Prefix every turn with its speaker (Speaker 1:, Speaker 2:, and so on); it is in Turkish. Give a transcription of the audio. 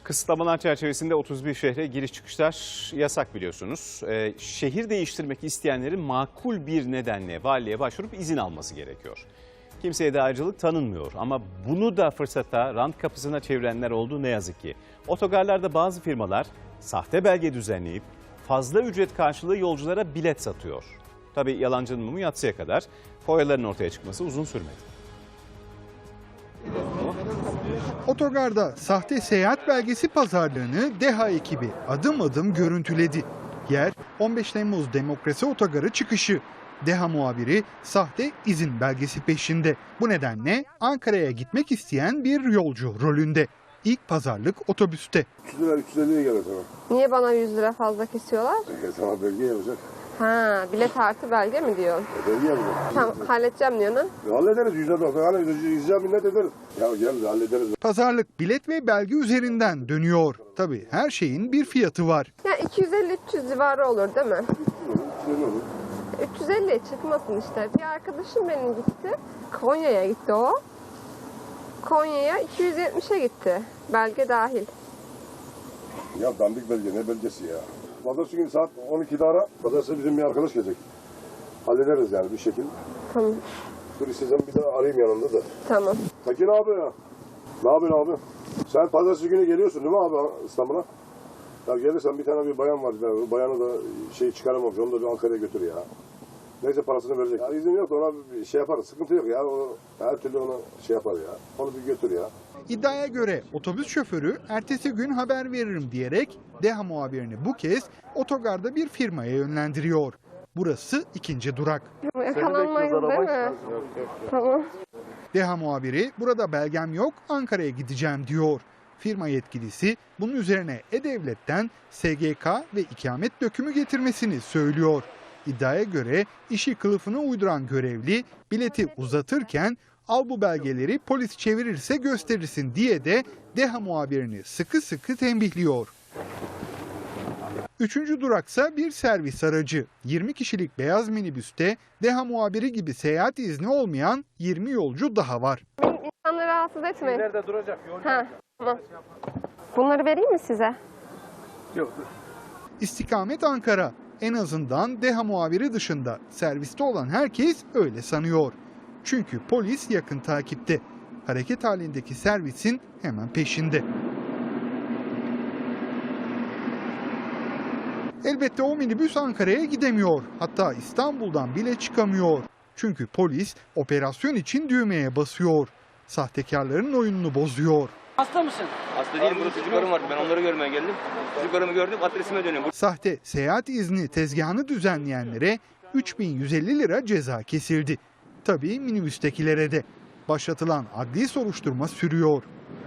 Speaker 1: Kısıtlamalar çerçevesinde 31 şehre giriş çıkışlar yasak biliyorsunuz. Şehir değiştirmek isteyenlerin makul bir nedenle valiliğe başvurup izin alması gerekiyor. Kimseye de ayrıcalık tanınmıyor ama bunu da fırsata, rant kapısına çevirenler oldu ne yazık ki. Otogarlarda bazı firmalar sahte belge düzenleyip fazla ücret karşılığı yolculara bilet satıyor. Tabii yalancının mumu yatsıya kadar, foyaların ortaya çıkması uzun sürmedi.
Speaker 2: Otogarda sahte seyahat belgesi pazarlığını DEHA ekibi adım adım görüntüledi. Yer 15 Temmuz Demokrasi Otogarı çıkışı. DEHA muhabiri sahte izin belgesi peşinde. Bu nedenle Ankara'ya gitmek isteyen bir yolcu rolünde. İlk pazarlık otobüste.
Speaker 3: 300 lira 350'ye gelir sana.
Speaker 4: Niye bana 100 lira fazla kesiyorlar?
Speaker 3: Sana belge yapacak.
Speaker 4: Ha, bilet artı belge mi diyor?
Speaker 3: Belge yapacak.
Speaker 4: Tamam, halledeceğim diyor ne?
Speaker 3: Hallederiz. Yüzde minnet ederiz. Ya gel hallederiz.
Speaker 2: Pazarlık bilet ve belge üzerinden dönüyor. Tabii her şeyin bir fiyatı var.
Speaker 4: Ya 250-300 civarı olur değil mi?
Speaker 3: 350 olur.
Speaker 4: 350'ye çıkmasın işte. Bir arkadaşım benim gitti. Konya'ya gitti o. Konya'ya 270'e gitti. Belge dahil.
Speaker 3: Ya dandik belge ne belgesi ya. Pazartesi günü saat 12'de ara. Pazartesi bizim bir arkadaş gelecek. Hallederiz yani bir şekilde.
Speaker 4: Tamam.
Speaker 3: Dur istesem bir daha arayayım yanında da.
Speaker 4: Tamam.
Speaker 3: Tekin abi ya. Ne yapıyorsun abi? Sen pazartesi günü geliyorsun değil mi abi İstanbul'a? Ya gelirsen bir tane bir bayan var. O bayanı da çıkaramamış. Onu da bir Ankara'ya götür ya. Neyse parasını verecek. Ya izin yok da ona bir şey yaparız. Sıkıntı yok ya. O, her türlü ona şey yapar ya. Onu bir götür ya.
Speaker 2: İddiaya göre otobüs şoförü ertesi gün haber veririm diyerek DEHA muhabirini bu kez otogarda bir firmaya yönlendiriyor. Burası ikinci durak.
Speaker 4: Yakalanmayız değil mi? Tamam.
Speaker 2: DEHA muhabiri burada belgem yok Ankara'ya gideceğim diyor. Firma yetkilisi bunun üzerine E-Devlet'ten SGK ve ikamet dökümü getirmesini söylüyor. İddiaya göre işi kılıfına uyduran görevli bileti uzatırken al bu belgeleri polis çevirirse gösterirsin diye de DEHA muhabirini sıkı sıkı tembihliyor. Üçüncü duraksa bir servis aracı. 20 kişilik beyaz minibüste DEHA muhabiri gibi seyahat izni olmayan 20 yolcu daha var.
Speaker 4: İnsanları rahatsız etmeyin.
Speaker 5: Nerede duracak?
Speaker 4: Ha, tamam. Bunları vereyim mi size?
Speaker 5: Yok.
Speaker 2: İstikamet Ankara. En azından DEHA muhabiri dışında serviste olan herkes öyle sanıyor. Çünkü polis yakın takipte. Hareket halindeki servisin hemen peşinde. Elbette o minibüs Ankara'ya gidemiyor. Hatta İstanbul'dan bile çıkamıyor. Çünkü polis operasyon için düğmeye basıyor. Sahtekarların oyununu bozuyor.
Speaker 6: Hasta mısın?
Speaker 7: Hasta değilim. Burada çocuklarım vardı. Ben onları görmeye geldim. Çocuklarımı gördüm. Adresime dönüyorum.
Speaker 2: Sahte seyahat izni tezgahını düzenleyenlere 3.150 lira ceza kesildi. Tabii minibüstekilere de. Başlatılan adli soruşturma sürüyor.